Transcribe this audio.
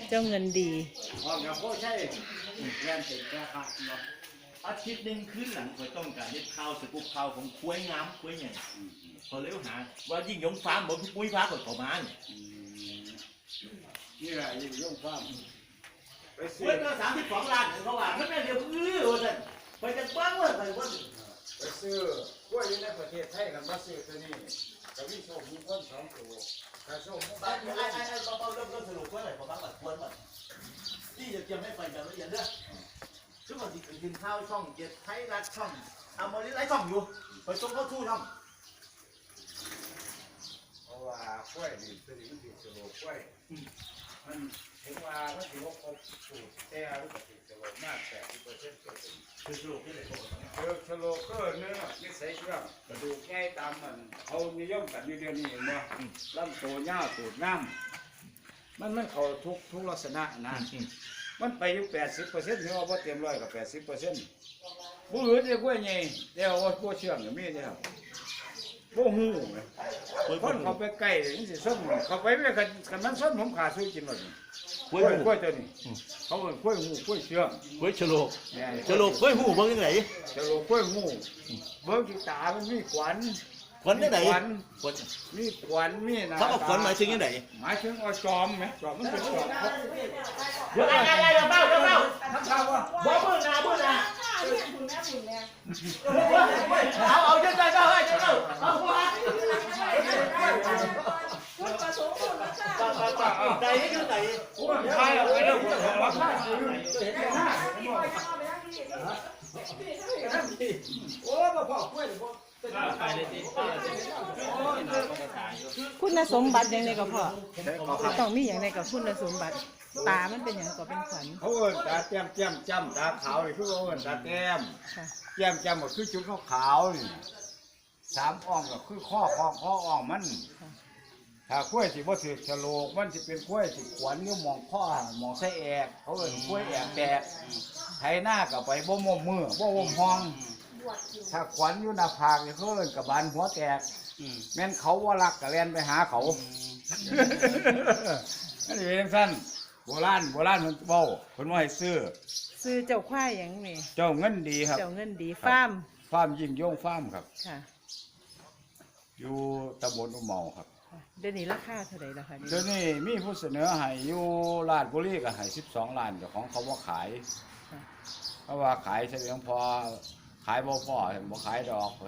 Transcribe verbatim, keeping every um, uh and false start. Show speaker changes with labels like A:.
A: เจ้าเงินดี
B: อ๋อกับพ่อใช่แรงเต็มแค่ครับเนาะอาทิตย์หนึ่งคืนหลังคอยต้องการเฮ็ดข้าวสกุปข้าวของคุ้ยงามคุ้ยใหญ่พอเลี้ยวหาว่ายิ่งยงฟ้าเหมือนปุ้ยฟ้าคนประมาณ
C: นี่แหละยิ่งย่งฟ้าไปซื้
B: คุ้
C: อย
B: ก็สามสิบสองล้านเขาว่าไม่แม่เดียวอื้อว่าท่านไปจะบ้างว่าไปว่า
C: ไปซื้อกล้วยอยู่ในประเทศไทยกันมาซื้อตัวนี้จะมีโชคมีคนสองตัวถ้าโชคมีค
B: ไอ้
C: น
B: ไอ้ไอ้ไอ้เบาๆเริ่มเริ่มสรุปว่าอะไรประมาณแบบควรแบบที่จะเตรียมให้ไปแบบละเอียดเด้อซึ่งบางทีกินข้าวช่องเจ็ดไทยรัฐช่องอมรินทร์หลายช่องอยู่ไปส่งเข้าทู่ช่อง
C: เพราะว่ากล้วยนี่ตัวนี้มันติดสโลกล้วยมันถึงว่ามันถือว่าครบสูตรแต่รู้สึกติดสโลมากแปดสิบเปอร์เซ็นต์เกิน
B: คือสรุปที่ไหนบอกกัน
C: เจอสโลเกอร์เนื้อนิสัยเชื่อมกระดูกง่ายตามมันเขานิยมกันอยู่เดือนนี้เห็นบ่ลำตัวเงาตูดน้ำมันมันเขาทุกทุกลักษณะนะมันไปอยู่แปดสิบเปอร์เซ็นต์หรือว่าบ่เต็มร้อยกับแปดสิบเปอร์เซ็นต์ผู้อื่นจะกล้วยไงแต่ว่าผู้เชื่อมอย่างนี้เนี่ยผู้หูคนเขาไปใกล้นี่สิส้มเขาไปไม่กันกันมันส้มผมขาดซื้อกินหมดกล้วยกล้วยตัวนี้เขาเป็นกล้วยหูกล้วยเชื่อม
B: กล้วยฉลกฉลกกล้วยหูเบิ้งยังไง
C: จะโลกล้วยหูเบิ้งที่ตามันมีขวัญ
B: ขวัญยังไง
C: ขวัญ
B: ขวัญ
C: มีขวัญมีหนา
B: เขาบอกขวัญหมายถึงยังไง
C: หมายถึงเอาจอมไหมจอมมันเป็นจอม
B: เดี๋ยวไอ้ไอ้ไอ้เดี๋ยวเบ้าเดี๋ยวเบ้า
C: ทำข่าวว่า
B: บอกมือนามือนาเอาเอาเดี๋ยวเดี๋ยวเดี๋ยวเดี๋ยวเอาหัวใจนี่คือใจ
C: ใช่เอาไปแล้วผมบอกว่าโอ้มาพ่อกล้วย
A: คุณสมบัติอย่างไรก็พอต้องมีอย่างไรกับคุณสมบัติตามันเป็นอย่างก็เป็นขวัญ
C: เขาเอิ้นตาแจ่มแจ่มจำตาขาวนี่คือเขาเอิ้นตาแจ่ม
A: ค่ะ
C: แจ่มจำก็คือจุดขาวๆนี่สามอ่องก็คือข้อข้อข้ออ่องมันถ้ากล้วยสิบ่ถือฉลกมันสิเป็นกล้วยสิขวัญอยู่หมองข้อหมองไส้แอกเขาเอิ้นกล้วยแอกแตกไถหน้าก็ไปบ่มมมือบ่มห้องถ้าขวัญอยู่หน้าผากนี่เขาเอิ้นกระบาลหัวแตกแม่นเขาว่ารักก็แล่นไปหาเขาอันนี้เป็นสั้นโบราณโบราณมันเว้าเพิ่นว่าให้ซื้อ
A: ซื้อเจ้าควายอย่างนี้
C: เจ้าเงินดีครับ
A: เจ้าเงินดีฟาร์ม
C: ฟาร์มยิ่งยงฟาร์มครับ
A: ค่ะ
C: อยู่ตำบลอุเมาครับ
A: เดี๋ยวนี้ราคาเท่าไหร่ละคะ
C: เดี๋ยวนี้มีผู้เสนอให้อยู่ราชบุรีก็ให้สิบสองล้านเจ้าของเขาว่าขาย เพราะว่าขายเฉลียงพอขายบ่พอบ่ขายดอก